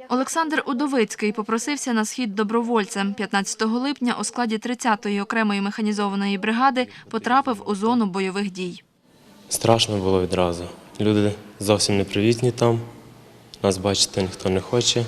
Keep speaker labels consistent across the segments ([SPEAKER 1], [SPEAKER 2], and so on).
[SPEAKER 1] Олександр Удовицький попросився на схід добровольцем. 15 липня у складі 30-ї окремої механізованої бригади потрапив у зону бойових дій.
[SPEAKER 2] Страшно було відразу. Люди зовсім непривітні там, нас бачити ніхто не хоче,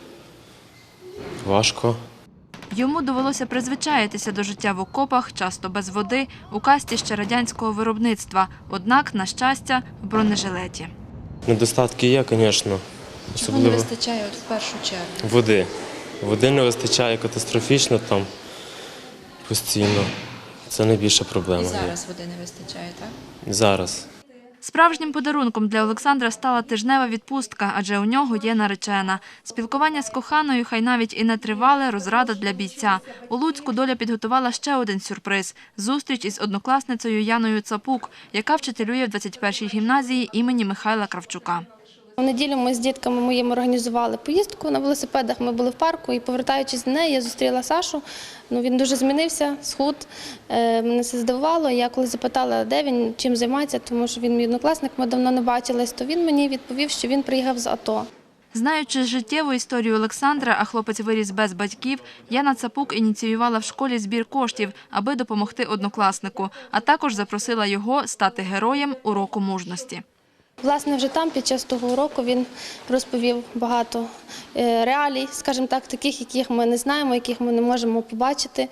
[SPEAKER 2] важко.
[SPEAKER 1] Йому довелося призвичаїтися до життя в окопах, часто без води, у касті ще радянського виробництва, однак, на щастя, в бронежилеті.
[SPEAKER 2] Недостатки є, звісно.
[SPEAKER 3] Чого не вистачає в першу чергу?
[SPEAKER 2] Води. Води не вистачає катастрофічно там постійно. Це найбільша проблема.
[SPEAKER 3] І зараз води не вистачає, так?
[SPEAKER 2] Зараз.
[SPEAKER 1] Справжнім подарунком для Олександра стала тижнева відпустка, адже у нього є наречена. Спілкування з коханою, хай навіть і не тривале, розрада для бійця. У Луцьку доля підготувала ще один сюрприз – зустріч із однокласницею Яною Цапук, яка вчителює в 21-й гімназії імені Михайла Кравчука.
[SPEAKER 4] У неділю ми з дітками моїми організували поїздку на велосипедах, ми були в парку і, повертаючись до неї, я зустріла Сашу. Він дуже змінився, схуд, мене це здивувало. Я коли запитала, де він, чим займається, тому що він мій однокласник, ми давно не бачились, то він мені відповів, що він приїхав з АТО.
[SPEAKER 1] Знаючи життєву історію Олександра, а хлопець виріс без батьків, Яна Цапук ініціювала в школі збір коштів, аби допомогти однокласнику, а також запросила його стати героєм уроку мужності.
[SPEAKER 4] Власне, вже там, під час того уроку, він розповів багато реалій, скажімо так, таких, яких ми не знаємо, яких ми не можемо побачити,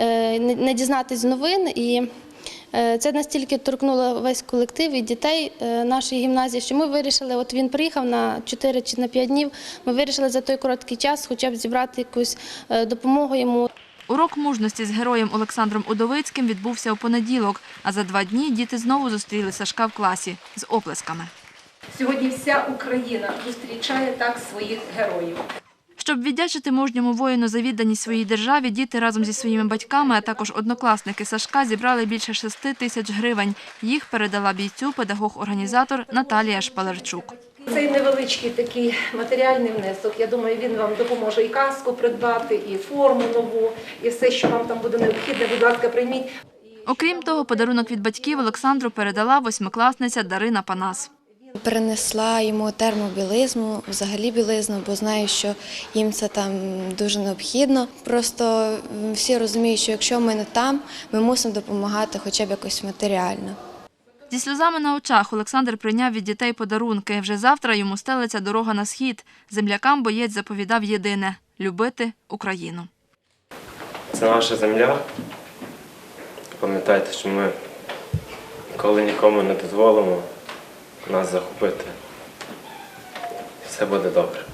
[SPEAKER 4] не дізнатись з новин. І це настільки торкнуло весь колектив і дітей нашої гімназії, що ми вирішили, от він приїхав на 4 чи на 5 днів, ми вирішили за той короткий час хоча б зібрати якусь допомогу йому.
[SPEAKER 1] Урок мужності з героєм Олександром Удовицьким відбувся у понеділок, а за 2 дні діти знову зустріли Сашка в класі з оплесками.
[SPEAKER 5] Сьогодні вся Україна зустрічає так своїх героїв.
[SPEAKER 1] Щоб віддячити мужньому воїну за відданість своїй державі, діти разом зі своїми батьками, а також однокласники Сашка зібрали більше 6 тисяч гривень. Їх передала бійцю педагог-організатор Наталія Шпалерчук.
[SPEAKER 5] Цей невеличкий такий матеріальний внесок, я думаю, він вам допоможе і каску придбати, і форму нову, і все, що вам там буде необхідне, будь ласка, прийміть.
[SPEAKER 1] Окрім того, подарунок від батьків Олександру передала 8-класниця Дарина Панас.
[SPEAKER 6] Перенесла йому термобілизну, взагалі білизну, бо знаю, що їм це там дуже необхідно. Просто всі розуміють, що якщо ми не там, ми мусимо допомагати хоча б якось матеріально.
[SPEAKER 1] Зі сльозами на очах Олександр прийняв від дітей подарунки. Вже завтра йому стелиться дорога на схід. Землякам боєць заповідав єдине – любити Україну.
[SPEAKER 2] Це наша земля. Пам'ятайте, що ми ніколи нікому не дозволимо нас захопити. Все буде добре.